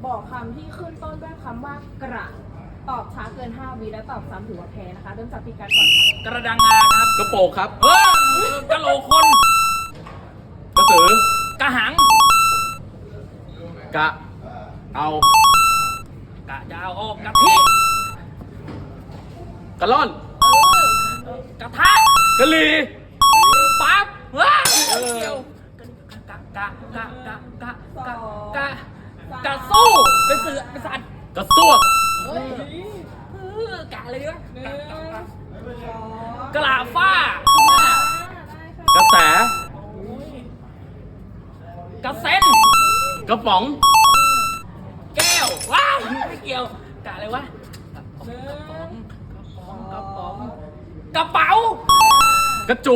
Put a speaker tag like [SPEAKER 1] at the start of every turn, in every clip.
[SPEAKER 1] บอกคำที่ขึ้นต้นด้วยคำว่ากระตอบช้าเกิน5วิและตอบซ้ำถือว่าแพ้นะคะเริ่มจากพี่กัดก่อนค่ะ
[SPEAKER 2] กระดังงาครับ
[SPEAKER 3] กระโปงครับ
[SPEAKER 2] กระโหลกคน
[SPEAKER 3] กระสือ
[SPEAKER 2] กระหัง
[SPEAKER 3] กะเอา
[SPEAKER 2] กะจะเอาออกกะทิ
[SPEAKER 3] กระล่อน
[SPEAKER 2] กระทะ
[SPEAKER 3] กะลี
[SPEAKER 2] ปั๊บว้า
[SPEAKER 3] เออ
[SPEAKER 2] เกี่ยวกะกะสู้เป็นเสือเป็นสัตว์
[SPEAKER 3] กระซวก
[SPEAKER 2] เฮ้ยกะอะไรดีวะ
[SPEAKER 1] หนึ่งสอง
[SPEAKER 2] กะลาฟ้า
[SPEAKER 3] กระแส
[SPEAKER 2] กระเซ็น
[SPEAKER 3] กระป๋อง
[SPEAKER 2] แก้วว้าวไม่เกี่ยวกะอะไรวะ
[SPEAKER 1] หนึ่ง
[SPEAKER 2] กระเป๋าก
[SPEAKER 3] ระจู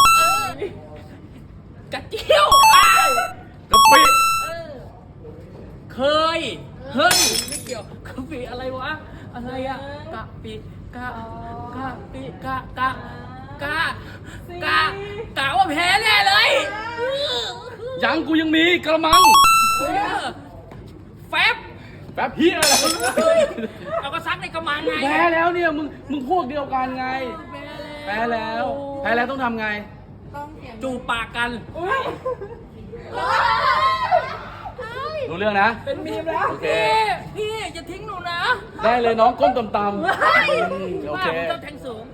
[SPEAKER 2] กระเจียวว้าว
[SPEAKER 3] กระปิ
[SPEAKER 2] เคยเฮ้ยไม่เกี่ยวกะปิอะไรวะอะไรอะกะปิกะปิกะว่าแพ้แน่เลย
[SPEAKER 3] ยังกูยังมีกระมัง
[SPEAKER 2] แฟบ
[SPEAKER 3] แป๊บเฮียอะไร
[SPEAKER 2] เราก็ซักในกระมังไง
[SPEAKER 3] แพ้แล้วเนี่ยมึงพวกเดียวกันไง แพ้แล้วต้องทำไง
[SPEAKER 1] ต้องเสียง
[SPEAKER 2] จูบปากกัน
[SPEAKER 3] รู้เรื่องนะ
[SPEAKER 1] เป็นมีมแล้ว
[SPEAKER 3] โอเค
[SPEAKER 2] พี่อย่าทิ้งหนูนะ
[SPEAKER 3] ได้เลยน้องก้มต่ำๆโอเค
[SPEAKER 2] ว่าผมต้องแทงสูง